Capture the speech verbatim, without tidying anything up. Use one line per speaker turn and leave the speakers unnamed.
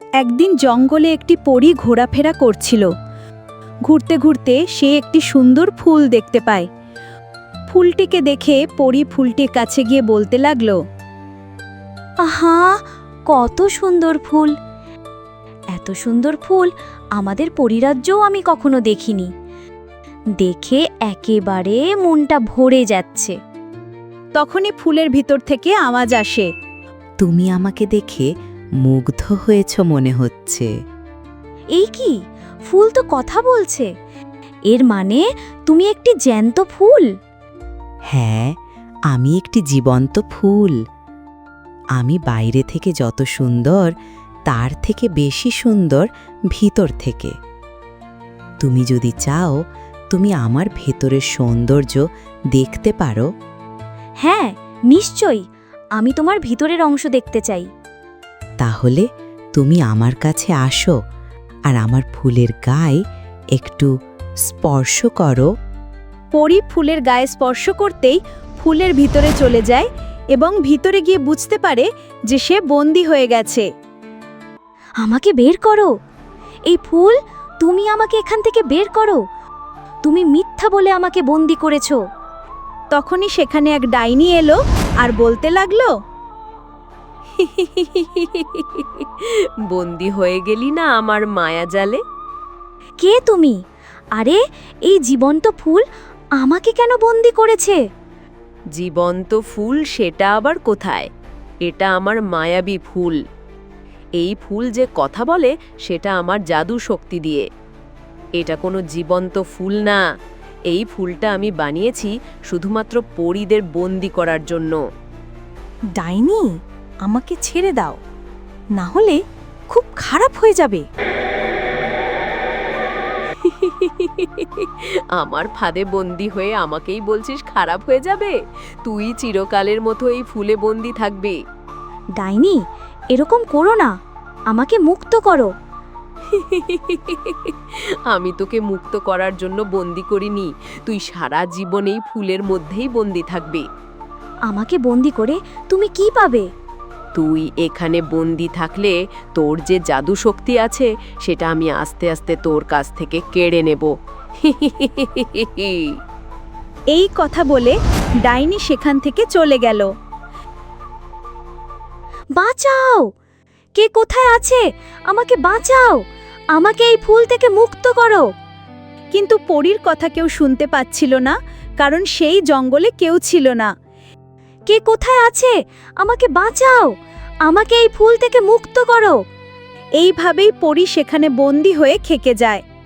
একদিন জঙ্গলে একটি পরী ঘোরাফেরা করছিল। ঘুরতে ঘুরতে সে একটি সুন্দর ফুল দেখতে পায়। ফুলটিকে দেখে পরী ফুলটির কাছে গিয়ে বলতে লাগলো,
আহা, কত সুন্দর ফুল! এত সুন্দর ফুল আমাদের পরিরাজ্যও আমি কখনো দেখিনি। দেখে একেবারে মনটা ভরে যাচ্ছে।
তখনই ফুলের ভিতর থেকে আওয়াজ আসে,
তুমি আমাকে দেখে মুগ্ধ হয়েছ মনে হচ্ছে।
এই কি, ফুল তো কথা বলছে! এর মানে তুমি একটি জ্যান্ত ফুল।
হ্যাঁ, আমি একটি জীবন্ত ফুল। আমি বাইরে থেকে যত সুন্দর, তার থেকে বেশি সুন্দর ভিতর থেকে। তুমি যদি চাও, তুমি আমার ভেতরের সৌন্দর্য দেখতে পারো।
হ্যাঁ, নিশ্চয়ই, আমি তোমার ভিতরের অংশ দেখতে চাই।
তাহলে তুমি আমার কাছে আসো আর আমার ফুলের গায়ে একটু স্পর্শ করো।
পরী ফুলের গায়ে স্পর্শ করতেই ফুলের ভিতরে চলে যায় এবং ভিতরে গিয়ে বুঝতে পারে যে সে বন্দী হয়ে গেছে।
আমাকে বের করো! এই ফুল, তুমি আমাকে এখান থেকে বের করো! তুমি মিথ্যা বলে আমাকে বন্দি করেছো।
তখনই সেখানে এক ডাইনি এলো আর বলতে লাগলো,
বন্দি হয়ে গেলি না আমার মায়াজালে?
কে তুমি? আরে, এই জীবন্ত ফুল আমাকে কেন বন্দি করেছে?
জীবন্ত ফুল সেটা আবার কোথায়? এটা আমার মায়াবী ফুল। এই ফুল যে কথা বলে সেটা আমার জাদু শক্তি দিয়ে। এটা কোনো জীবন্ত ফুল না। এই ফুলটা আমি বানিয়েছি শুধুমাত্র পরীদের বন্দি করার জন্য।
ডাইনি, আমাকে ছেড়ে দাও, না হলে খুব খারাপ হয়ে যাবে।
আমার ফাঁদে বন্দি হয়ে আমাকেই বলছিস খারাপ হয়ে যাবে? তুই চিরকালের মতো এই ফুলে বন্দি থাকবি।
ডাইনি, এরকম করো না, আমাকে মুক্ত করো।
আমি তোকে মুক্ত করার জন্য বন্দি করিনি। তুই সারা জীবন এই ফুলের মধ্যেই বন্দি থাকবি।
আমাকে বন্দি করে তুমি কি পাবে?
তুই এখানে বন্দি থাকলে তোর যে জাদু শক্তি আছে সেটা আমি আস্তে আস্তে তোর কাছ থেকে কেড়ে নেব।
এই কথা বলে ডাইনি সেখান থেকে চলে গেল।
বাঁচাও! কে কোথায় আছে? আমাকে বাঁচাও! আমাকে এই ফুল থেকে মুক্ত করো।
কিন্তু পরীর কথা কেউ শুনতে পাচ্ছিল না, কারণ সেই জঙ্গলে কেউ ছিল না।
কে কোথায় আছে? আমাকে বাঁচাও! আমাকে এই ফুল থেকে মুক্ত করো।
এইভাবেই পরী সেখানে বন্দী হয়ে থেকে যায়।